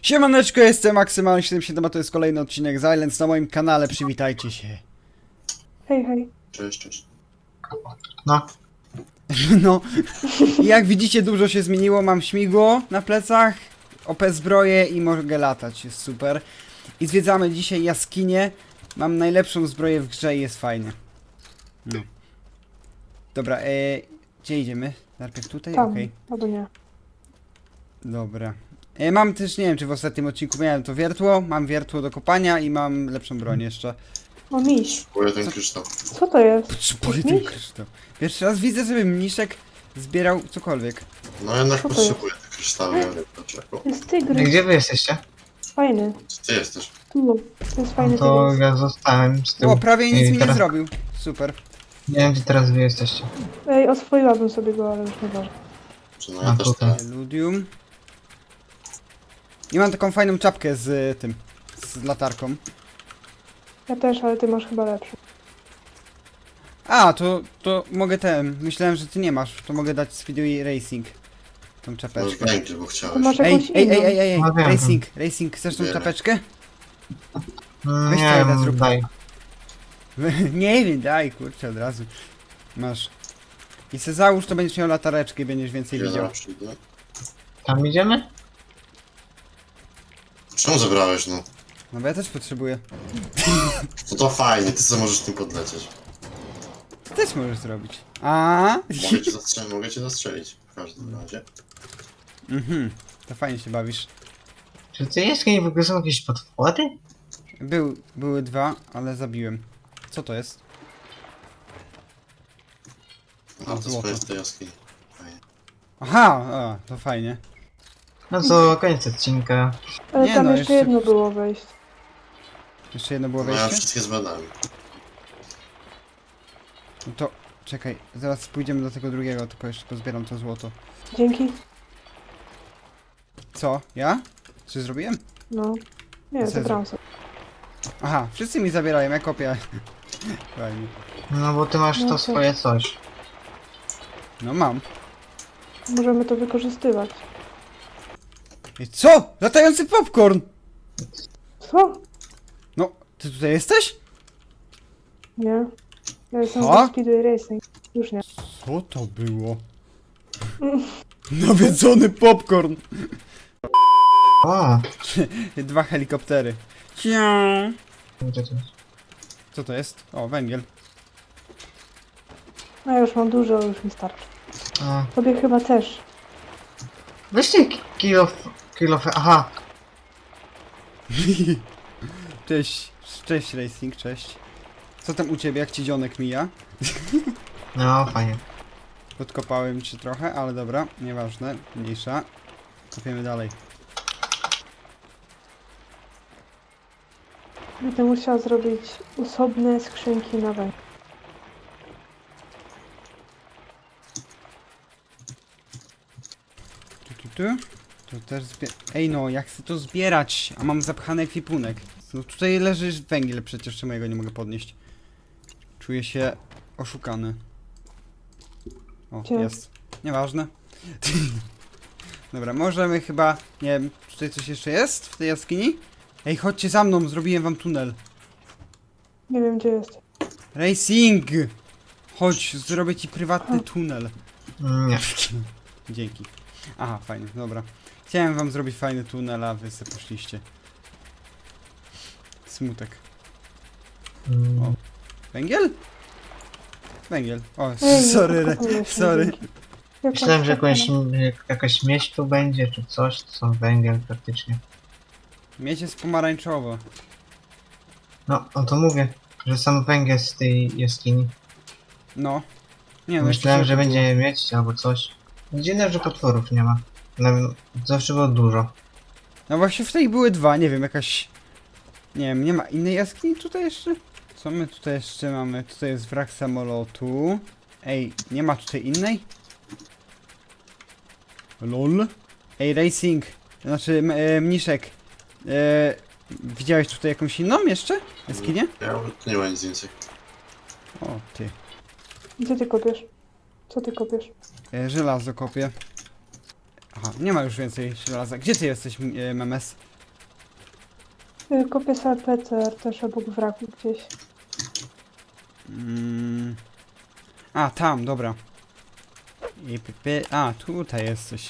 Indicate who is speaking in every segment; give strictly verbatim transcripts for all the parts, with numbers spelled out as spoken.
Speaker 1: Siemaneczko, jestem Maksymalny siedemdziesiąt siedem, a to jest kolejny odcinek z Islands na moim kanale, przywitajcie się.
Speaker 2: Hej, hej.
Speaker 3: Cześć, cześć.
Speaker 4: No,
Speaker 1: No, jak widzicie dużo się zmieniło, mam śmigło na plecach, O P zbroję i mogę latać, jest super. I zwiedzamy dzisiaj jaskinię, mam najlepszą zbroję w grze i jest fajnie. No. Dobra, e, gdzie idziemy? Najpierw tutaj?
Speaker 2: Tam,
Speaker 1: Okej.
Speaker 2: albo nie.
Speaker 1: Dobra. E, mam też, nie wiem czy w ostatnim odcinku miałem to wiertło, mam wiertło do kopania i mam lepszą broń jeszcze.
Speaker 2: O, miś.
Speaker 3: Kupuję ten kryształ.
Speaker 2: Co to jest?
Speaker 1: Potrzebuję
Speaker 2: Jakiś
Speaker 1: ten
Speaker 2: miś?
Speaker 1: kryształ. Pierwszy raz widzę, żeby mniszek zbierał cokolwiek.
Speaker 3: No jednak
Speaker 2: Co to
Speaker 3: potrzebuję te kryształy, ja wiem dlaczego.
Speaker 2: To jest
Speaker 4: a
Speaker 2: tygrys.
Speaker 4: gdzie wy jesteście?
Speaker 2: Fajny.
Speaker 3: Gdzie ty jesteś?
Speaker 2: Tu. To jest fajny
Speaker 4: No to
Speaker 2: tygrys.
Speaker 4: ja zostałem z tyłu.
Speaker 1: O, prawie nic
Speaker 4: I
Speaker 1: mi nie
Speaker 4: teraz-
Speaker 1: zrobił. Super.
Speaker 4: Nie wiem, gdzie teraz wy jesteście.
Speaker 2: Ej, oswoiłabym sobie go, ale już nie ważne.
Speaker 3: Czy no
Speaker 4: A,
Speaker 3: ja też
Speaker 4: tutaj.
Speaker 3: tak.
Speaker 1: Ludium. I mam taką fajną czapkę z y, tym, z latarką.
Speaker 2: Ja też, ale ty masz chyba lepszy.
Speaker 1: A, to, to mogę ten. Myślałem, że ty nie masz. To mogę dać Speedway Racing. Tą
Speaker 3: Może
Speaker 1: czapeczkę.
Speaker 3: będzie, bo
Speaker 2: To
Speaker 3: chciałeś.
Speaker 2: masz
Speaker 1: Ej,
Speaker 2: jakąś
Speaker 1: ej,
Speaker 2: inną.
Speaker 1: ej, ej, ej, ej.
Speaker 4: No wiem.
Speaker 1: Racing, Racing, chcesz tą
Speaker 3: Bierę.
Speaker 1: czapeczkę?
Speaker 4: Mm,
Speaker 1: Weź
Speaker 4: nie
Speaker 1: co jeden
Speaker 4: wiem,
Speaker 1: zrób.
Speaker 4: daj.
Speaker 1: Nie wiem, daj, kurczę, od razu. Masz. I se załóż, to będziesz miał latareczkę i będziesz więcej
Speaker 3: Ja
Speaker 1: widział.
Speaker 3: zaraz przyjdę.
Speaker 4: Tam idziemy?
Speaker 3: Czemu zabrałeś, no?
Speaker 1: No bo ja też potrzebuję.
Speaker 3: No to fajnie, ty co możesz tym podlecieć.
Speaker 1: Ty też możesz zrobić. A?
Speaker 3: Mogę cię zastrzelić, mogę cię zastrzelić. W każdym razie.
Speaker 1: Mhm, to fajnie się bawisz.
Speaker 4: Czy ty jaskini w ogóle są jakieś podwody?
Speaker 1: Był, były dwa, ale zabiłem. Co to jest?
Speaker 3: A to
Speaker 1: złoto.
Speaker 3: jest tej jaskini. Fajnie.
Speaker 1: Aha, a, to fajnie.
Speaker 4: No co, koniec odcinka.
Speaker 2: Ale
Speaker 1: Nie
Speaker 2: tam
Speaker 1: no,
Speaker 2: jeszcze
Speaker 1: jeszcze-
Speaker 2: jedno było wejść.
Speaker 1: Jeszcze jedno było
Speaker 3: No ja
Speaker 1: wejście?
Speaker 3: wszystkie zbadałem.
Speaker 1: No to, czekaj, zaraz pójdziemy do tego drugiego, tylko jeszcze pozbieram to złoto.
Speaker 2: Dzięki.
Speaker 1: Co? Ja? Czy zrobiłem?
Speaker 2: No. Nie,
Speaker 1: Co
Speaker 2: zabrałam sobie.
Speaker 1: Aha, wszyscy mi zabierają, ja kopię. Fajnie.
Speaker 4: No bo ty masz
Speaker 2: No
Speaker 4: to
Speaker 2: to-
Speaker 4: swoje coś.
Speaker 1: No mam.
Speaker 2: Możemy to wykorzystywać.
Speaker 1: I co? Latający popcorn!
Speaker 2: Co?
Speaker 1: No, ty tutaj jesteś?
Speaker 2: Nie. Ja jestem
Speaker 1: Co?
Speaker 2: w Speedway Racing. Już nie.
Speaker 1: Co to było? Nawiedzony popcorn!
Speaker 4: O,
Speaker 1: Dwa helikoptery. Ciao.
Speaker 4: gdzie to jest?
Speaker 1: Co to jest? O, węgiel.
Speaker 2: No ja już mam dużo, już mi starczy.
Speaker 4: A,
Speaker 2: Tobie chyba też.
Speaker 4: weźcie kilo, kilo, aha.
Speaker 1: Cześć, cześć Racing, cześć. Co tam u ciebie, jak ci dzionek mija?
Speaker 4: No, fajnie.
Speaker 1: Podkopałem cię trochę, ale dobra, nieważne, mniejsza. Kopiemy dalej.
Speaker 2: Będę musiała zrobić osobne skrzynki na węgiel.
Speaker 1: Tu, tu, tu. To też zbie... Ej no, jak chcę to zbierać, a mam zapchany ekwipunek. No tutaj leży węgiel przecież, czemu ja go nie mogę podnieść? Czuję się oszukany. O,
Speaker 2: Gdzie?
Speaker 1: jest. Nieważne. Dobra, możemy chyba... Nie wiem, tutaj coś jeszcze jest w tej jaskini? Ej, chodźcie za mną, zrobiłem wam tunel.
Speaker 2: Nie wiem gdzie jest.
Speaker 1: Racing! Chodź, zrobię ci prywatny tunel.
Speaker 4: Nie.
Speaker 1: Dzięki. Aha, fajnie, dobra. Chciałem wam zrobić fajny tunel, a wy se poszliście. Smutek.
Speaker 4: Mm,
Speaker 1: Węgiel? Węgiel. O,
Speaker 2: Ej, nie
Speaker 1: sorry, re,
Speaker 2: podkopujesz mnie,
Speaker 1: sorry.
Speaker 2: dzięki. Jak
Speaker 4: Myślałem,
Speaker 2: masz
Speaker 4: że jakąś,
Speaker 2: przekonać?
Speaker 4: jakaś miedź tu będzie, czy coś, to są węgiel praktycznie.
Speaker 1: Miedź jest pomarańczowo.
Speaker 4: No, no to mówię, że sam węgiel z tej jaskini.
Speaker 1: No. Nie no,
Speaker 4: Myślałem,
Speaker 1: jeszcze
Speaker 4: że
Speaker 1: było.
Speaker 4: będzie miedź albo coś. Dziwne, że potworów nie ma. No, zawsze było dużo.
Speaker 1: No właśnie w tej były dwa, nie wiem, jakaś... Nie wiem, nie ma innej jaskini tutaj jeszcze? Co my tutaj jeszcze mamy? Tutaj jest wrak samolotu. Ej, nie ma tutaj innej? Lol. Ej, Racing. Znaczy, m- e, Mniszek. E, widziałeś tutaj jakąś inną jeszcze? Jaskinię?
Speaker 3: Ja nie ma nic więcej.
Speaker 1: O, ty.
Speaker 2: Gdzie ty kopiesz? Co ty kopiesz?
Speaker 1: E, żelazo kopię. Aha, nie ma już więcej żelaza. Gdzie ty jesteś, m- e, Memes?
Speaker 2: Y, Kopię sobie P C R też obok wraku gdzieś.
Speaker 1: Mm. A, tam, dobra. I py, py. A, tutaj jest coś.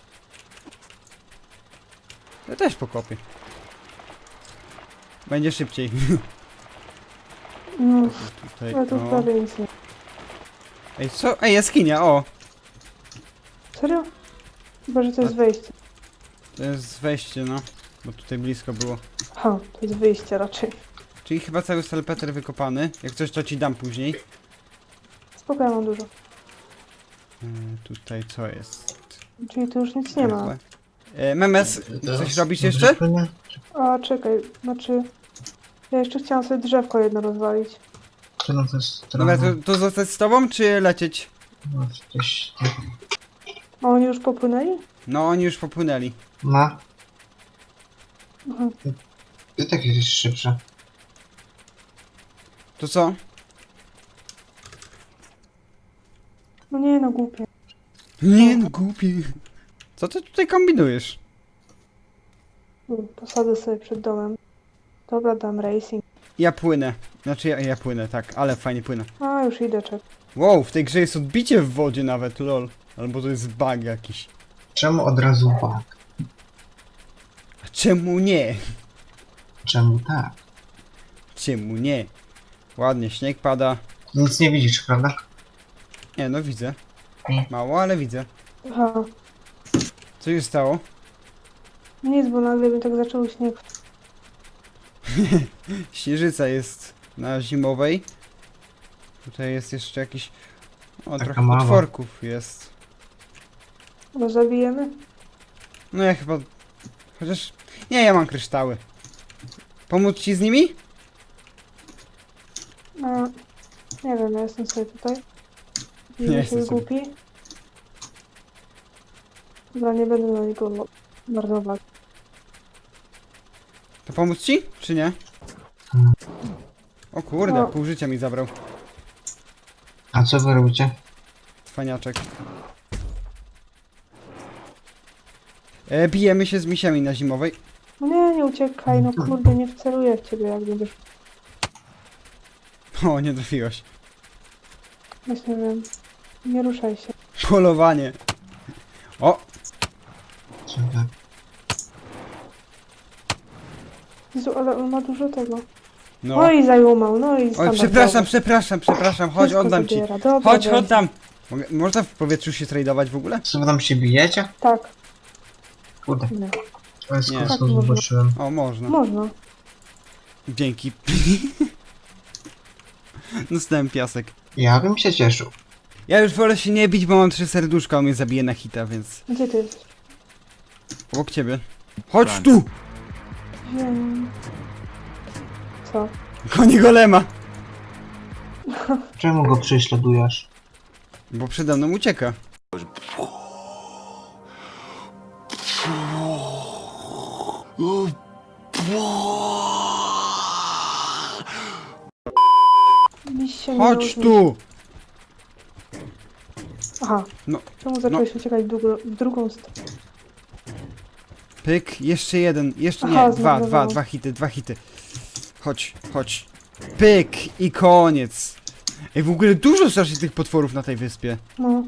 Speaker 1: Ja też pokopię. Będzie szybciej.
Speaker 2: No,
Speaker 1: Tutaj,
Speaker 2: ale tu
Speaker 1: o.
Speaker 2: prawie nic nie.
Speaker 1: Ej, co? Ej, jaskinia, o!
Speaker 2: Serio? Chyba, że to jest wejście.
Speaker 1: To jest wejście, no. Bo tutaj blisko było.
Speaker 2: Ha, to jest wyjście raczej.
Speaker 1: Czyli chyba cały salpeter wykopany. Jak coś, to ci dam później.
Speaker 2: Spoko, ja mam dużo.
Speaker 1: Yy, tutaj co jest?
Speaker 2: Czyli tu już nic nie ma.
Speaker 1: E, Memes,
Speaker 3: Teraz
Speaker 1: coś robisz jeszcze?
Speaker 4: Nie?
Speaker 2: A, czekaj, znaczy... Ja jeszcze chciałam sobie drzewko jedno rozwalić.
Speaker 4: Czy no to jest
Speaker 1: Dobra,
Speaker 4: trochę...
Speaker 1: to, to zostać z tobą, czy lecieć?
Speaker 4: No, gdzieś...
Speaker 2: A oni już popłynęli?
Speaker 1: No, oni już popłynęli.
Speaker 4: No,
Speaker 2: Aha.
Speaker 4: i tak jest szybsze.
Speaker 1: To co?
Speaker 2: No nie, no głupie.
Speaker 1: Nie, no głupi. Co ty tutaj kombinujesz?
Speaker 2: Mm, Posadzę sobie przed domem. Dobra, dam racing.
Speaker 1: Ja płynę. Znaczy ja, ja płynę, tak, ale fajnie płynę.
Speaker 2: A, już idę, czek.
Speaker 1: Wow, w tej grze jest odbicie w wodzie nawet, lol. Albo to jest bug jakiś.
Speaker 4: Czemu od razu bug?
Speaker 1: A czemu nie?
Speaker 4: Czemu tak?
Speaker 1: Czemu nie? Ładnie, śnieg pada.
Speaker 4: Nic nie widzisz, prawda?
Speaker 1: Nie, no widzę.
Speaker 4: Nie.
Speaker 1: Mało, ale widzę.
Speaker 2: Aha.
Speaker 1: Co się stało?
Speaker 2: Nic, bo nagle mi tak zaczął śnieg.
Speaker 1: Śnieżyca jest na zimowej. Tutaj jest jeszcze jakiś... O,
Speaker 4: Taka
Speaker 1: trochę
Speaker 4: mała.
Speaker 1: potworków jest.
Speaker 2: Go zabijemy?
Speaker 1: No ja chyba... Chociaż... Nie, ja mam kryształy. Pomóc ci z nimi?
Speaker 2: A, nie wiem, ja jestem sobie tutaj.
Speaker 1: Nie
Speaker 2: Nie
Speaker 1: jestem
Speaker 2: się
Speaker 1: sobie.
Speaker 2: głupi. Dobra, nie będę na niego lo- marnować.
Speaker 1: To pomóc ci? Czy nie?
Speaker 4: Hmm.
Speaker 1: O kurde,
Speaker 2: No.
Speaker 1: pół życia mi zabrał.
Speaker 4: A co wy robicie?
Speaker 1: Cwaniaczek. E, bijemy się z misiami na zimowej.
Speaker 2: No nie, nie uciekaj, no kurde, nie wceluję w ciebie, jak będziesz...
Speaker 1: O, nie trafiłaś.
Speaker 2: Właśnie wiem. Nie ruszaj się.
Speaker 1: Polowanie. O,
Speaker 4: Co tak?
Speaker 2: Jezu, ale on ma dużo tego.
Speaker 1: no.
Speaker 2: No i zajumał, no i
Speaker 1: Oj,
Speaker 2: standardowo.
Speaker 1: przepraszam, przepraszam, przepraszam. Chodź,
Speaker 2: Wszystko
Speaker 1: oddam ci.
Speaker 2: zabiera. Dobra,
Speaker 1: Chodź,
Speaker 2: weź.
Speaker 1: oddam. Mogę, można w powietrzu się tradować w ogóle?
Speaker 4: Co wy tam się bijecie?
Speaker 2: Tak,
Speaker 4: Kurde,
Speaker 2: nie.
Speaker 4: to jest
Speaker 1: Nie.
Speaker 4: kosmos,
Speaker 2: Tak, można.
Speaker 4: zobaczyłem.
Speaker 1: O, można.
Speaker 2: Można.
Speaker 1: Dzięki. Dostałem piasek.
Speaker 4: Ja bym się cieszył.
Speaker 1: Ja już wolę się nie bić, bo mam trzy serduszka, on mnie zabije na hita, więc...
Speaker 2: Gdzie ty jesteś?
Speaker 1: Obok ciebie. Chodź tu!
Speaker 2: Wiem. Co?
Speaker 1: Konie golema!
Speaker 4: Czemu go prześladujesz?
Speaker 1: Bo przede mną ucieka.
Speaker 2: Miś się nie
Speaker 1: Chodź
Speaker 2: różni.
Speaker 1: tu!
Speaker 2: Aha.
Speaker 1: No,
Speaker 2: Czemu zacząłeś uciekać w, drugą- w drugą stronę?
Speaker 1: Pyk, jeszcze jeden, jeszcze
Speaker 2: Aha,
Speaker 1: nie, dwa,
Speaker 2: zmarnowało.
Speaker 1: dwa, dwa hity, dwa hity. Chodź, chodź. Pyk i koniec. Ej, w ogóle dużo strasznie tych potworów na tej wyspie.
Speaker 2: No.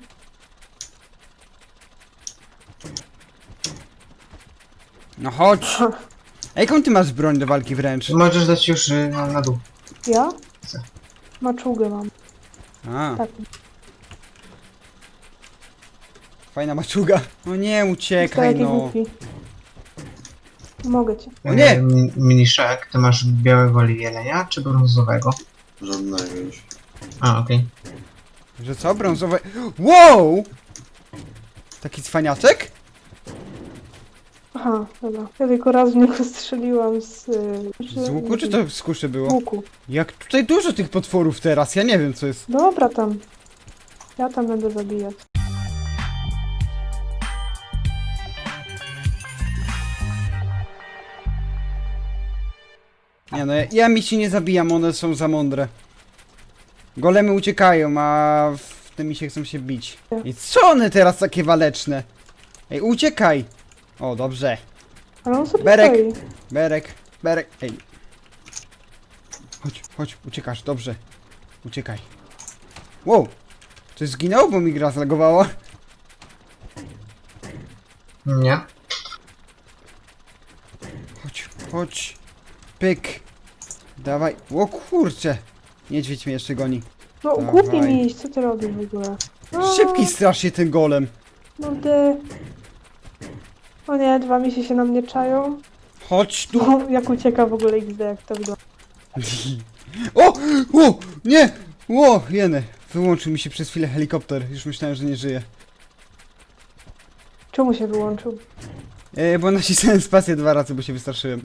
Speaker 1: No chodź. Ej, jaką ty masz broń do walki wręcz?
Speaker 4: Możesz dać już y, na, na dół.
Speaker 2: Ja?
Speaker 4: Co?
Speaker 2: Maczugę mam.
Speaker 1: A,
Speaker 2: Tak.
Speaker 1: fajna maczuga. No nie,
Speaker 2: To
Speaker 1: uciekaj
Speaker 2: jaki
Speaker 1: no.
Speaker 2: głupi. Mogę cię.
Speaker 1: O nie!
Speaker 4: E, mi- Miniszek, ty masz białego jelenia czy brązowego?
Speaker 3: Żadnego już.
Speaker 4: A, okej.
Speaker 1: Że co? Brązowe... Wow! Taki cwaniaczek?
Speaker 2: Aha, dobra. Ja tylko raz w niego strzeliłam z... y,
Speaker 1: Z łuku czy to z kuszy
Speaker 2: Z
Speaker 1: było?
Speaker 2: łuku.
Speaker 1: Jak tutaj dużo tych potworów teraz, ja nie wiem co jest.
Speaker 2: Dobra tam. Ja tam będę zabijać.
Speaker 1: Nie no, ja, ja mi się nie zabijam, one są za mądre. Golemy uciekają, a w tym mi się chcą się bić. I co one teraz takie waleczne? Ej, uciekaj! O, dobrze.
Speaker 2: Ale on sobie
Speaker 1: Berek.
Speaker 2: stoi.
Speaker 1: Berek. Berek, ej. Chodź, chodź, uciekasz, dobrze. Uciekaj. Wow! Coś zginął, bo mi gra zlagowała?
Speaker 4: Nie.
Speaker 1: Chodź, chodź. Pyk. Dawaj. O kurcze. Niedźwiedź mnie jeszcze goni.
Speaker 2: No
Speaker 1: Dawaj.
Speaker 2: głupi mi iść, co ty robisz w ogóle? No,
Speaker 1: Szybki strasznie ten golem.
Speaker 2: No ty... O nie, dwa misie się na mnie czają.
Speaker 1: Chodź tu.
Speaker 2: No, jak ucieka w ogóle X D, jak to wygląda.
Speaker 1: O! O! Nie! O! Jeny. Wyłączył mi się przez chwilę helikopter. Już myślałem, że nie żyje.
Speaker 2: Czemu się wyłączył?
Speaker 1: E, bo nacisnąłem spację dwa razy, bo się wystraszyłem.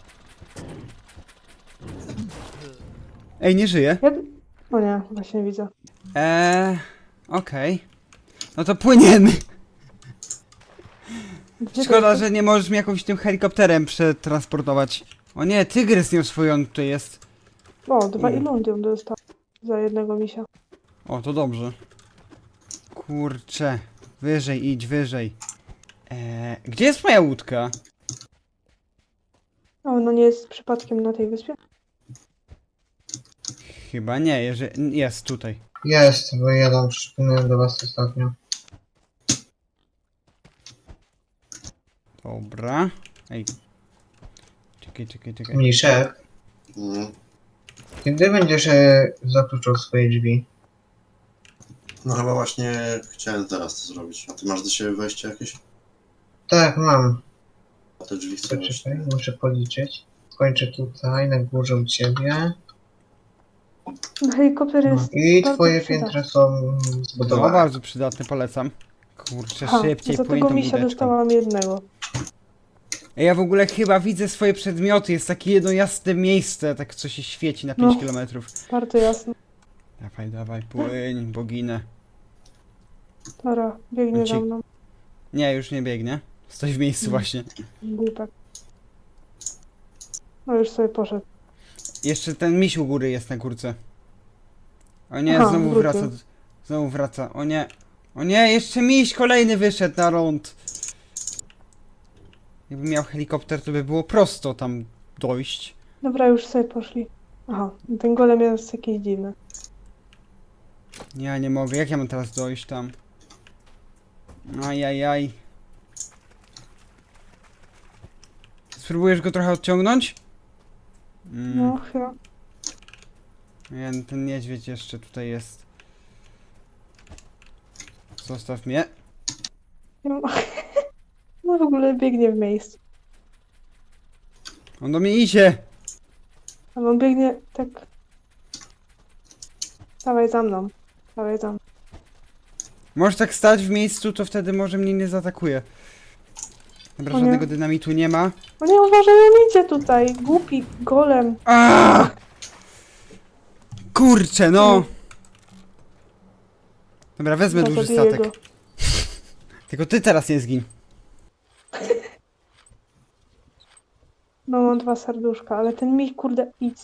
Speaker 1: Ej, nie żyje.
Speaker 2: Ja... O nie, właśnie widzę.
Speaker 1: Eee, okej. No to płyniemy.
Speaker 2: Gdzie
Speaker 1: Szkoda,
Speaker 2: to
Speaker 1: że nie możesz mnie jakimś tym helikopterem przetransportować. O nie, tygrys nie oswojony tutaj jest.
Speaker 2: O, dwa
Speaker 1: U.
Speaker 2: ilundium dostał za jednego misia.
Speaker 1: O, to dobrze. Kurczę. Wyżej, idź, wyżej. Eee, gdzie jest moja łódka?
Speaker 2: A ono nie jest przypadkiem na tej wyspie?
Speaker 1: Chyba nie, jeżeli... jest tutaj.
Speaker 4: Jest, bo ja tam przypomniałem do was ostatnio.
Speaker 1: Dobra. Ej. Czekaj, czekaj, czekaj.
Speaker 4: Mniszek,
Speaker 3: Mm.
Speaker 4: kiedy będziesz e, zakluczał swoje drzwi?
Speaker 3: No chyba właśnie chciałem teraz to zrobić. A ty masz do siebie wejście jakieś?
Speaker 4: Tak, mam.
Speaker 3: A te drzwi chcę
Speaker 4: To
Speaker 3: wejść.
Speaker 4: czekaj, muszę policzyć. Kończę tutaj, na górze u ciebie.
Speaker 2: No, helikopter
Speaker 4: No.
Speaker 2: jest...
Speaker 4: I
Speaker 2: bardzo
Speaker 4: twoje
Speaker 2: przydatny.
Speaker 4: piętra są
Speaker 1: No,
Speaker 4: zbudowane.
Speaker 1: bardzo przydatne, polecam. Kurczę,
Speaker 2: Ha,
Speaker 1: szybciej
Speaker 2: za
Speaker 1: płyń
Speaker 2: tego
Speaker 1: tą
Speaker 2: misia
Speaker 1: łódeczką.
Speaker 2: dostałam jednego.
Speaker 1: Ej, ja w ogóle chyba widzę swoje przedmioty. Jest takie jedno jasne miejsce, tak co się świeci na pięć
Speaker 2: No.
Speaker 1: kilometrów.
Speaker 2: Bardzo jasno.
Speaker 1: Dawaj, dawaj, płyń, boginę.
Speaker 2: Dobra, biegnie za
Speaker 1: Uciek-
Speaker 2: mną.
Speaker 1: Nie, już nie biegnie. Stoi w miejscu
Speaker 2: Mm.
Speaker 1: właśnie.
Speaker 2: Głupek. No już sobie poszedł.
Speaker 1: Jeszcze ten miś u góry jest na górce. O nie,
Speaker 2: Aha,
Speaker 1: znowu
Speaker 2: wrócił.
Speaker 1: wraca. Znowu wraca. O nie. O nie, jeszcze miś kolejny wyszedł na ląd. Jakbym miał helikopter, to by było prosto tam dojść.
Speaker 2: Dobra, już sobie poszli. Aha, ten golem jest jakiś dziwny.
Speaker 1: Ja nie mogę. Jak ja mam teraz dojść tam? Ajajaj. Spróbujesz go trochę odciągnąć? Mm.
Speaker 2: No chyba.
Speaker 1: Nie, ten niedźwiedź jeszcze tutaj jest. Zostaw mnie.
Speaker 2: Ja- No w ogóle biegnie w miejscu.
Speaker 1: On do mnie idzie.
Speaker 2: A on biegnie tak... Dawaj za mną. Dawaj za mną.
Speaker 1: Możesz tak stać w miejscu, to wtedy może mnie nie zaatakuje. Dobra,
Speaker 2: O nie.
Speaker 1: żadnego dynamitu nie ma.
Speaker 2: O nie, uważaj, on idzie tutaj. Głupi golem.
Speaker 1: Aaaa! Kurczę, no! Dobra, wezmę
Speaker 2: Chyba
Speaker 1: duży
Speaker 2: zabiję
Speaker 1: statek.
Speaker 2: go.
Speaker 1: Tylko ty teraz nie zgin.
Speaker 2: No mam dwa serduszka, ale ten mi kurde idź.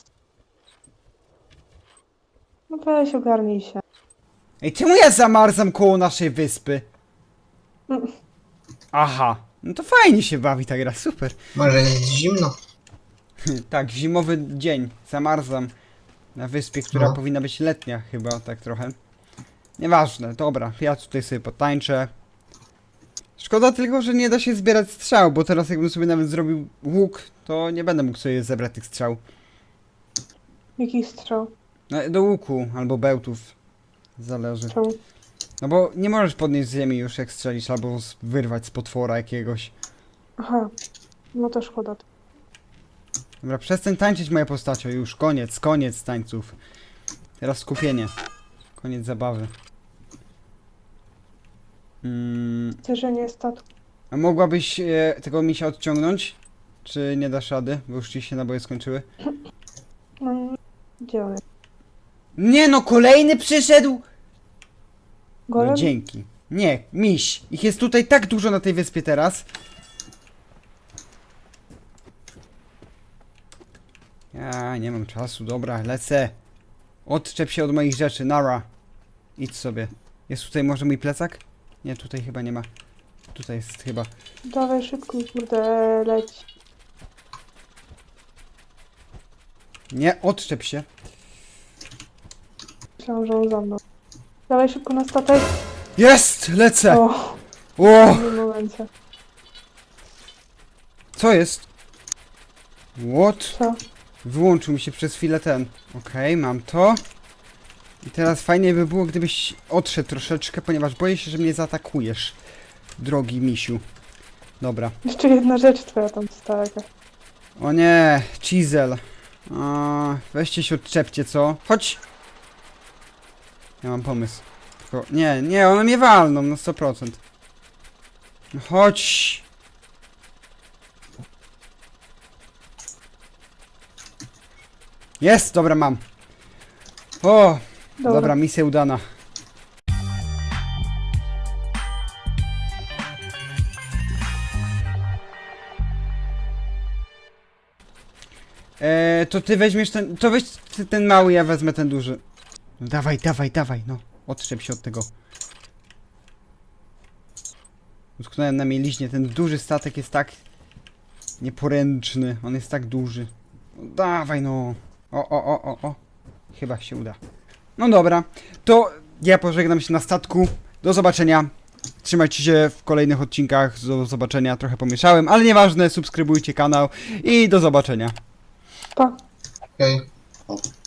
Speaker 2: No weź ogarnij się.
Speaker 1: Ej, czemu ja zamarzam koło naszej wyspy?
Speaker 2: Mm.
Speaker 1: Aha, no to fajnie się bawi ta gra, super.
Speaker 4: Może jest zimno?
Speaker 1: Tak, zimowy dzień, zamarzam na wyspie, która
Speaker 4: No.
Speaker 1: powinna być letnia chyba, tak trochę. Nieważne, dobra, ja tutaj sobie potańczę. Szkoda tylko, że nie da się zbierać strzał, bo teraz jakbym sobie nawet zrobił łuk, to nie będę mógł sobie zebrać tych strzał.
Speaker 2: Jaki strzał?
Speaker 1: No, do łuku albo bełtów, zależy.
Speaker 2: Czemu?
Speaker 1: No bo nie możesz podnieść z ziemi już jak strzelisz, albo z- wyrwać z potwora jakiegoś.
Speaker 2: Aha. No to szkoda.
Speaker 1: Dobra, przestań tańczyć moją postacią, już koniec, koniec tańców. Teraz skupienie. Koniec zabawy. Mm,
Speaker 2: Zderzenie statku.
Speaker 1: a mogłabyś e, tego misia odciągnąć? Czy nie dasz rady? Bo już ci się naboje skończyły.
Speaker 2: No, gdzie on jest?
Speaker 1: Nie no, kolejny przyszedł!
Speaker 2: Golem?
Speaker 1: No dzięki. Nie, miś. Ich jest tutaj tak dużo na tej wyspie teraz. Ja nie mam czasu, dobra, lecę. Odczep się od moich rzeczy, nara. Idź sobie. Jest tutaj może mój plecak? Nie, tutaj chyba nie ma. Tutaj jest chyba.
Speaker 2: Dawaj szybko, kurde, leć.
Speaker 1: Nie, odczep się.
Speaker 2: Myślałam, że on za mną. Dawaj szybko na statek.
Speaker 1: Jest! Lecę!
Speaker 2: O,
Speaker 1: O!
Speaker 2: w tym momencie.
Speaker 1: Co jest? What?
Speaker 2: Co?
Speaker 1: Wyłączył mi się przez chwilę ten. Okej, mam to. I teraz fajnie by było, gdybyś odszedł troszeczkę, ponieważ boję się, że mnie zaatakujesz. Drogi misiu. Dobra.
Speaker 2: Jeszcze jedna rzecz twoja tam została jakaś.
Speaker 1: O nie, chisel. A, weźcie się odczepcie, co? Chodź! Ja mam pomysł. Tylko, nie, nie, one mnie walną na sto procent. No chodź! Jest, dobra, mam. O,
Speaker 2: Dobra.
Speaker 1: dobra, misja udana. Eee, to ty weźmiesz ten, to weź ty ten mały, ja wezmę ten duży. No dawaj, dawaj, dawaj, no. Odczep się od tego. Utknąłem na mieliźnie, ten duży statek jest tak nieporęczny, on jest tak duży. No dawaj, no. O, o, o, o, o. Chyba się uda. No dobra, to ja pożegnam się na statku. Do zobaczenia. Trzymajcie się w kolejnych odcinkach. Do zobaczenia. Trochę pomieszałem, ale nieważne. Subskrybujcie kanał i do zobaczenia.
Speaker 2: Pa.
Speaker 4: Okej.
Speaker 3: O.